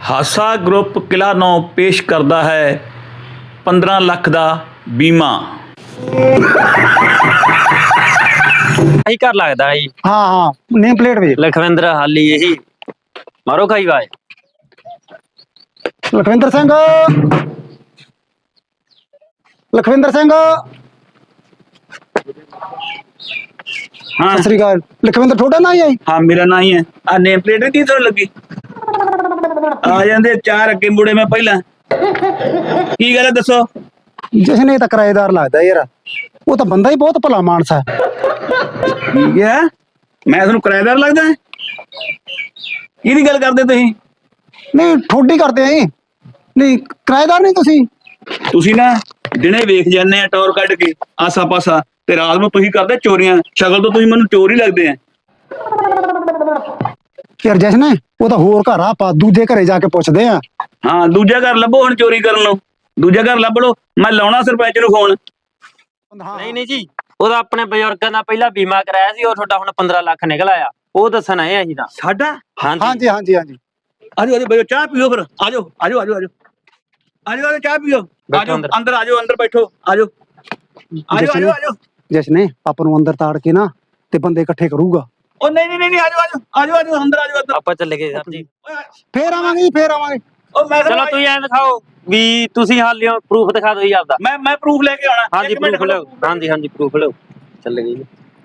ਹਾਸਾ ਗਰੁੱਪ ਕਿਲ੍ਹਾ ਨੌ ਪੇਸ਼ ਕਰਦਾ ਹੈ 15 ਲੱਖ ਦਾ ਬੀਮਾ। ਆਹੀ ਘਰ ਲੱਗਦਾ ਜੀ। हाँ हाँ नेम प्लेट भी ਲਖਵਿੰਦਰ ਹਾਲੀ ਇਹੀ ਮਾਰੋ ਖਾਈ ਵਾਏ। लखविंदर सिंह लखविंदर सिंह हाँ सत श्री अकाल। लखविंदर थोड़ा ना ही आई। हाँ मेरा ना ही है आ नेम प्लेट की तो लगी आ जाते चार अगे मुड़े मैं पहला की गल है दसो। जिसने तो किराएदार लगता यार, वो तो बंदा ही बहुत भला मानस है। ठीक है मैं थोड़ा किराएदार लगता है की गल करते तुसीं? नहीं ठोडी करते हैं नहीं किराएदार नहीं तुसी। ਤੁਸੀਂ ਨਾ ਦਿਨੇ ਵੇਖ ਜਾਂਦੇ ਆ ਟੌਰ ਕੱਢ ਕੇ ਆਸਾ ਪਾਸਾ ਤੇ ਰਾਤ ਨੂੰ ਤੁਸੀਂ ਕਰਦੇ ਚੋਰੀਆਂ। ਸ਼ਕਲ ਤੋਂ ਤੁਸੀਂ ਮੈਨੂੰ ਚੋਰ ਹੀ ਲੱਗਦੇ ਆ। यार जिसने वो तो होर घर आप दूजे घरे जाके पूछते हैं। ਹਾਂ ਦੂਜਾ ਘਰ ਲੱਭੋ ਹੁਣ ਚੋਰੀ ਕਰਨ ਨੂੰ। ਦੂਜਾ ਘਰ ਲੱਭ ਲਓ ਮੈਂ ਲਾਉਣਾ ਸਰਪੰਚ ਨੂੰ ਫੋਨ। ਨਹੀਂ ਨਹੀਂ ਜੀ, ਉਹਦਾ ਆਪਣੇ ਬਜ਼ੁਰਗਾਂ ਦਾ ਪਹਿਲਾਂ ਬੀਮਾ ਕਰਾਇਆ ਸੀ, ਉਹ ਤੁਹਾਡਾ ਹੁਣ 15 ਲੱਖ ਨਿਕਲ ਆਇਆ। ਉਹ ਦੱਸਣ ਆਏ ਅਸੀਂ ਤਾਂ। ਸਾਡਾ हाँ ਹਾਂਜੀ जी हाँ जी हाँ जी। ਆਜੋ ਆਜੋ ਬੈਠੋ ਚਾਹ ਪੀਓ ਫਿਰ ਆਜੋ ਆਜੋ ਆਜੋ ਆਜੋ ਆਜੋ ਆਜੋ ਚਾਹ ਪੀਓ ਬੈਠੋ ਆਜੋ ਅੰਦਰ। ਅੰਦਰ ਆਜੋ ਅੰਦਰ ਬੈਠੋ ਆਜੋ ਆਜੋ ਆਜੋ ਆਜੋ। जिसने अपन ਨੂੰ ਅੰਦਰ ਤਾੜ ਕੇ ਨਾ ਤੇ ਬੰਦੇ ਇਕੱਠੇ ਕਰੂਗਾ। ਉਹ ਨਹੀਂ ਨਹੀਂ ਨਹੀਂ ਆਜੋ ਆਜੋ ਆਜੋ ਆਜੋ ਅੰਦਰ ਆਜੋ ਅੰਦਰ। ਆਪਾਂ ਚੱਲੇ ਗਏ ਸਰ ਜੀ। ਫੇਰ ਆਵਾਂਗੇ ਜੀ ਫੇਰ ਆਵਾਂਗੇ। ਉਹ ਮੈਂ ਚਲੋ ਤੁਸੀਂ ਐਂ ਦਿਖਾਓ ਵੀ ਤੁਸੀਂ ਹਾਲਿਓ ਪ੍ਰੂਫ ਦਿਖਾ ਦਿਓ ਜੀ ਆਪਦਾ। ਮੈਂ ਪ੍ਰੂਫ ਲੈ ਕੇ ਆਉਣਾ। ਹਾਂਜੀ ਇੱਕ ਮਿੰਟ ਪ੍ਰੂਫ ਲਿਓ। ਹਾਂਜੀ ਹਾਂਜੀ ਪ੍ਰੂਫ ਲਿਓ। ਚੱਲੇ ਗਏ ਜੀ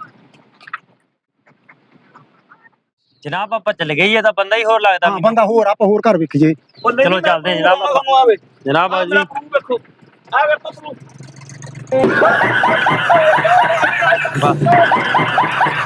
ਜਨਾਬ, ਆਪਾਂ ਚੱਲੇ ਗਏ ਜੀ। ਇਹ ਤਾਂ ਬੰਦਾ ਹੀ ਹੋਰ ਲੱਗਦਾ ਹਾਂ ਬੰਦਾ ਹੋਰ ਆਪਾਂ ਹੋਰ ਘਰ ਵੇਖੀਏ। ਉਹ ਨਹੀਂ, ਚਲੋ ਮੈਂ ਚੱਲਦੇ ਹਾਂ proof ਜਨਾਬ ਲਾਉਣਾ ਆਪਾਂ। ਤੁਹਾਨੂੰ ਆਵੇ ਜਨਾਬ ਆ ਜੀ। ਮੇਰਾ proof ਵੇਖੋ ਆ ਵੇਖੋ proof। ਬਸ